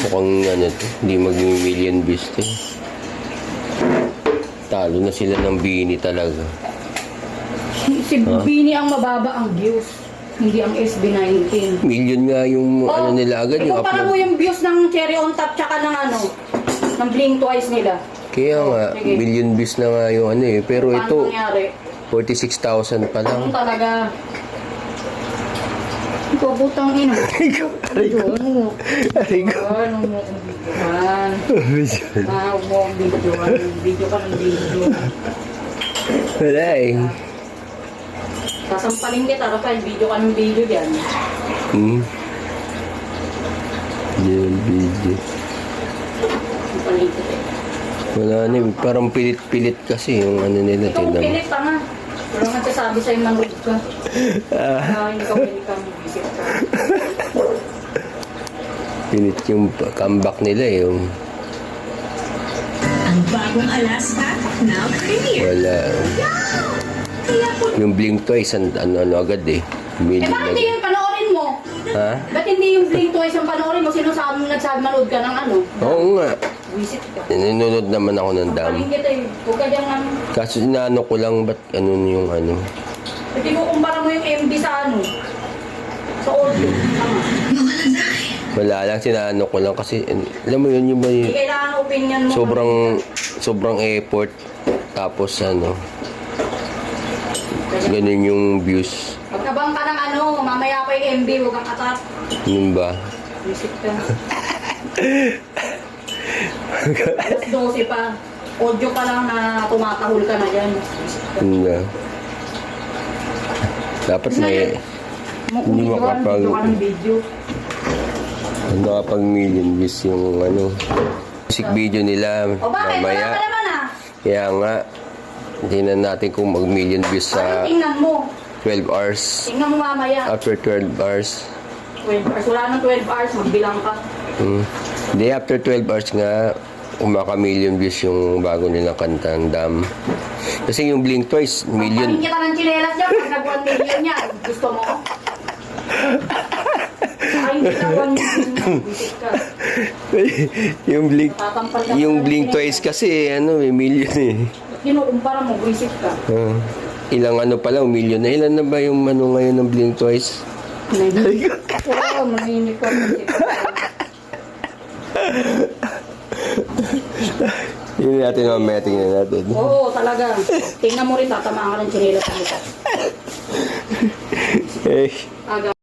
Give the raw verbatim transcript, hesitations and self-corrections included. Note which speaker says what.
Speaker 1: Mukhang ano to, hindi mag-million views to. Talo na sila ng Bini talaga.
Speaker 2: Si
Speaker 1: Huh?
Speaker 2: Bini ang mababa ang views, hindi ang S B nineteen.
Speaker 1: Million nga yung
Speaker 2: Oh,
Speaker 1: ano nila agad, yung
Speaker 2: ikumpara mo
Speaker 1: upload.
Speaker 2: yung views ng Cherry on Top tsaka ng ano, ng Blink Twice nila.
Speaker 1: Kaya nga,
Speaker 2: Sige.
Speaker 1: million views na nga yung ano eh. Pero
Speaker 2: Paano
Speaker 1: ito,
Speaker 2: nangyari?
Speaker 1: forty-six thousand pa
Speaker 2: Ano
Speaker 1: lang.
Speaker 2: talaga? Ikaw, butang ina.
Speaker 1: Aray ko.
Speaker 2: Ano mo?
Speaker 1: Aray ko.
Speaker 2: Ano mo ang videohan? Ah, huwag mo ang videohan. Video ka ng video.
Speaker 1: Wala eh.
Speaker 2: Sasampalin kita, Rafael. Video ka ng video yan.
Speaker 1: Hmm. Yan, video.
Speaker 2: Sasampalin kita.
Speaker 1: Wala na eh. Parang pilit-pilit kasi yung ano nila.
Speaker 2: Ikaw
Speaker 1: Tignan mo.
Speaker 2: pilit pa nga. Walang nagsasabi sa'yo manood ka. Ah, ikaw pilit ka. Visit ka.
Speaker 1: Pilit yung comeback nila eh. Yung
Speaker 3: Ang bagong Alaska, now premiere.
Speaker 1: wala.
Speaker 3: Kaya po
Speaker 1: Yung Blink Twice, an- ano-ano agad eh.
Speaker 2: Eh,
Speaker 1: Million
Speaker 2: bakit hindi
Speaker 1: agad.
Speaker 2: yung panoorin mo?
Speaker 1: Ha?
Speaker 2: Ba't hindi yung Blink Twice ang panoorin mo? Sino sabi mo nagsabi manood ka ng ano?
Speaker 1: Oo nga.
Speaker 2: Visit ka.
Speaker 1: Nanonood naman ako ng dam.
Speaker 2: Sampalin kita eh. Huwag ka dyan ano.
Speaker 1: Kaso inaano ko lang, ba't ano yung ano.
Speaker 2: Hindi mo kumpara mo yung M B sa ano. Sa audio. Tama.
Speaker 1: Wala lang, sinaano ko lang kasi, alam mo yun, yung may
Speaker 2: Hindi kailangan opinion mo.
Speaker 1: sobrang, sobrang effort. Tapos ano, ganun yung views.
Speaker 2: Pagkabang ka ng ano, mamaya pa yung M B, huwag kang atat.
Speaker 1: Yun ba?
Speaker 2: Visit ka. Alas dose pa. Audio pa lang na tumatahol ka na dyan. Visit ka.
Speaker 1: Yun ba? Dapat may,
Speaker 2: Mo
Speaker 1: Hindi
Speaker 2: video ka,
Speaker 1: makapag-
Speaker 2: video ka ng video.
Speaker 1: nakapag million views yung ano, music video nila
Speaker 2: O bakit? Wala
Speaker 1: mamaya.
Speaker 2: ka naman ah.
Speaker 1: Kaya nga, tingnan natin kung mag million views
Speaker 2: Bakit
Speaker 1: sa
Speaker 2: tingnan mo?
Speaker 1: twelve hours.
Speaker 2: Tingnan mo mamaya.
Speaker 1: After twelve hours.
Speaker 2: twelve hours. Wala nang twelve hours, magbilang ka.
Speaker 1: Hmm. Hindi, after twelve hours nga, umaka-million views yung bago nilang kanta, ang Dam. Kasi yung Blink Twice, million.
Speaker 2: Paling kita ng chinelas dyan, pag nag-one million yan. Gusto mo? Ay, hindi ka one million yan. Visit ka.
Speaker 1: yung Blink,
Speaker 2: Tatampal ka
Speaker 1: yung
Speaker 2: pa ng
Speaker 1: Blink
Speaker 2: chinelas.
Speaker 1: Twice kasi, ano, may million eh.
Speaker 2: Kinukumpara mo, visit ka.
Speaker 1: Ah, ilang ano pa lang, million na. Ilan na ba yung ano ngayon ng Blink Twice?
Speaker 2: Oo, mahinig ka. Visit ka.
Speaker 1: Yun natin mamaya, tingnan natin.
Speaker 2: Oo, talaga. Tingnan mo rin, tatamaan ka ng chinelas.
Speaker 1: Eh,
Speaker 2: Aga.